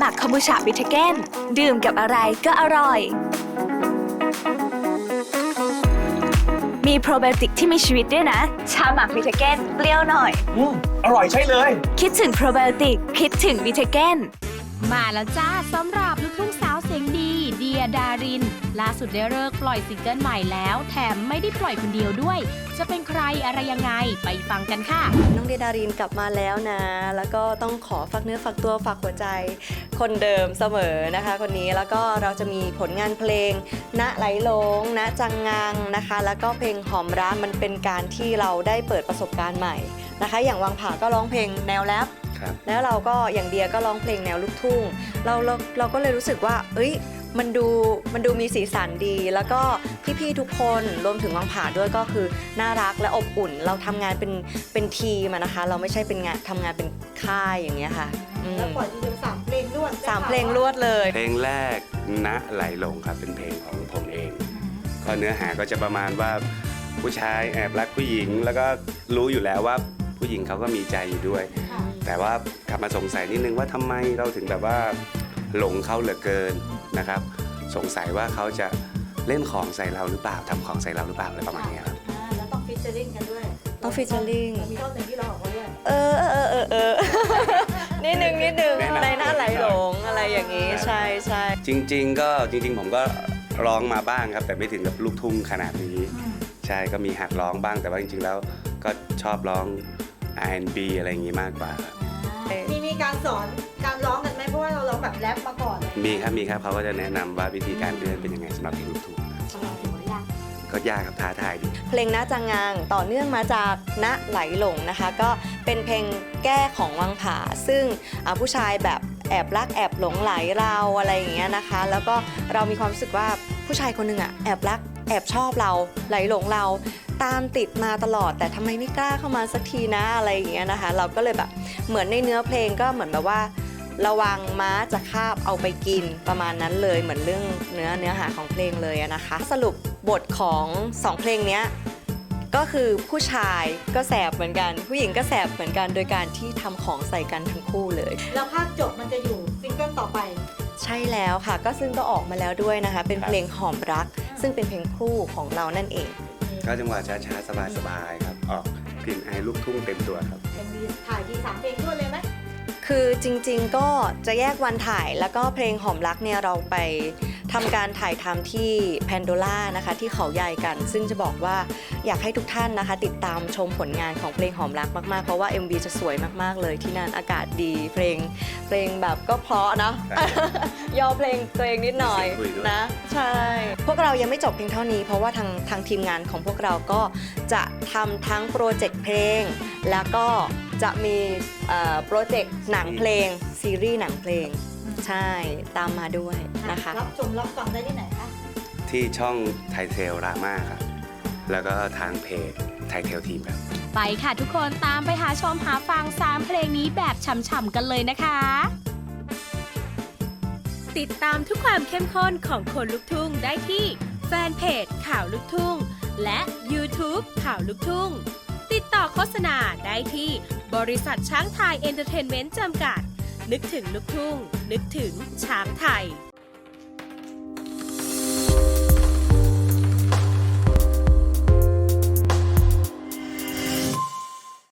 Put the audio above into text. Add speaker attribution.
Speaker 1: หมักคอมบูชาบิทเก้นดื่มกับอะไรก็อร่อยมีโปรไบโอติกที่มีชีวิตด้วยนะชาหมักบิทเก้นเปรี้ยวหน่อย
Speaker 2: อร่อยใช่เลย
Speaker 1: คิดถึงโปรไบโอติกคิดถึงบิทเก้น
Speaker 3: มาแล้วจ้าสำหรับลูกทุ่งสาวเสียงดีเดียดารินล่าสุดได้เลิกปล่อยซิงเกิลใหม่แล้วแถมไม่ได้ปล่อยคนเดียวด้วยจะเป็นใครอะไรยังไงไปฟังกันค่ะ
Speaker 4: น้องเดียดารินกลับมาแล้วนะแล้วก็ต้องขอฝากเนื้อฝากตัวฝากหัวใจคนเดิมเสมอนะคะคนนี้แล้วก็เราจะมีผลงานเพลงณไหลหลงณจังงังนะคะแล้วก็เพลงหอมร้านมันเป็นการที่เราได้เปิดประสบการณ์ใหม่นะคะอย่างวังผาก็ร้องเพลงแนวแรปแล้วเราก็อย่างเดียก็ร้องเพลงแนวลูกทุ่งเราก็เลยรู้สึกว่าเอ้ยมันดูมีสีสันดีแล้วก็พี่ๆทุกคนรวมถึงวังผาด้วยก็คือน่ารักและอบอุ่นเราทำงานเป็นทีมนะคะเราไม่ใช่เป็นงานทำงานเป็นค่ายอย่างเงี้ยค่ะ
Speaker 5: แล้วปล่อยทีเดียว3 เพลงรวด
Speaker 4: 3 เพลงรวดเลย
Speaker 2: เพลงแรกณไหลหลงครับเป็นเพลงของผมเองก็เนื้อหาก็จะประมาณว่าผู้ชายแอบรักผู้หญิงแล้วก็รู้อยู่แล้วว่าผู้หญิงเขาก็มีใจอยู่ด้วยแต่ว่ากลับมาสงสัยนิดนึงว่าทำไมเราถึงแบบว่าหลงเขาเหลือเกินนะครับสงสัยว่าเขาจะเล่นของใส่เราหรือเปล่าทำของใส่เราหรือเปล่าอะไรประมาณนี้ครับ
Speaker 5: แล้วต้องฟีเจอริ่งกันด้วย
Speaker 4: ต้องฟีเจอริ่ง
Speaker 5: มีท่อนหนึ่งที่เราออกมาด้วย
Speaker 4: นิดนึงในหน้าไหลหลงอะไรอย่างนี้ใช่
Speaker 2: จริงผมก็ร้องมาบ้างครับแต่ไม่ถึงกับลูกทุ่งขนาดนี้ใช่ก็มีหัดร้องบ้างแต่ว่าจริงๆแล้วก็ชอบร้อง R&B อะไรอย่างนี้มากกว่า
Speaker 5: มีการสอนการร้องกันไหมเพราะว่าเราร้องแบบแรปมาก่อน
Speaker 2: มีครับเขาก็จะแนะนำว่าวิธีการเล่นเป็นยังไงสำหรับเพลงลูกทุ่งก็ยากครับท้าทายดี
Speaker 4: เพลงณจังงังต่อเนื่องมาจากณไหลหลงนะคะก็เป็นเพลงแก้ของวังผาซึ่งผู้ชายแบบแอบรักแอบหลงไหลเราอะไรอย่างเงี้ยนะคะแล้วก็เรามีความรู้สึกว่าผู้ชายคนหนึ่งแอบรักแอบชอบเราไหลหลงเราตามติดมาตลอดแต่ทำไมไม่กล้าเข้ามาสักทีนะอะไรอย่างเงี้ยนะคะเราก็เลยแบบเหมือนในเนื้อเพลงก็เหมือนแบบว่าระวังม้าจะคาบเอาไปกินประมาณนั้นเลยเหมือนเรื่องเนื้อหาของเพลงเลยนะคะสรุปบทของ2เพลงนี้ก็คือผู้ชายก็แสบเหมือนกันผู้หญิงก็แสบเหมือนกันโดยการที่ทำของใส่กันทั้งคู่เลย
Speaker 5: แล้วภาคจบมันจะอยู่ซิงเกิลต่อไป
Speaker 4: ใช่แล้วค่ะก็ซึ่งก็ออกมาแล้วด้วยนะคะเป็นเพลงหอมรักซึ่งเป็นเพลงคู่ของเรานั่นเอง
Speaker 2: ก็จังหวะช้าๆสบายๆครับออกกลิ่นไอลูกทุ่งเต็มตัวครับ
Speaker 5: มีถ่ายที3 เพลงด้วยเลยไหม
Speaker 4: คือจริงๆก็จะแยกวันถ่ายแล้วก็เพลงหอมรักเนี่ยเราไปทำการถ่ายทำที่แพนโดล่านะคะที่เขาใหญ่กันซึ่งจะบอกว่าอยากให้ทุกท่านนะคะติดตามชมผลงานของเพลงหอมรักมากๆเพราะว่า MV จะสวยมากๆเลยที่นั่นอากาศดีเพลงแบบก็เพราะนะ ยอเพลงตัวเองนิดหน่อยนะใช่พวกเรายังไม่จบเพียงเท่านี้เพราะว่าทางทีมงานของพวกเราก็จะทำทั้งโปรเจกต์เพลงแล้วก็จะมีโปรเจกต์หนังเพลงซีรีส์หนังเพลงใช่ตามมาด้วยนะคะ
Speaker 5: รับชมรับฟังได้ที่ไหนคะ
Speaker 2: ที่ช่องไทยเทลรามาครับแล้วก็ทางเพจไทยเทลทีมครับ
Speaker 3: ไปค่ะทุกคนตามไปหาชมหาฟัง3 เพลงนี้แบบฉ่ำๆกันเลยนะคะติดตามทุกความเข้มข้นของคนลุกทุ่งได้ที่แฟนเพจข่าวลุกทุ่งและ YouTube ข่าวลุกทุ่งติดต่อโฆษณาได้ที่บริษัทช้างไทยเอนเตอร์เทนเมนต์จำกัดนึกถึงลูกทุ่งนึกถึงช้างไทย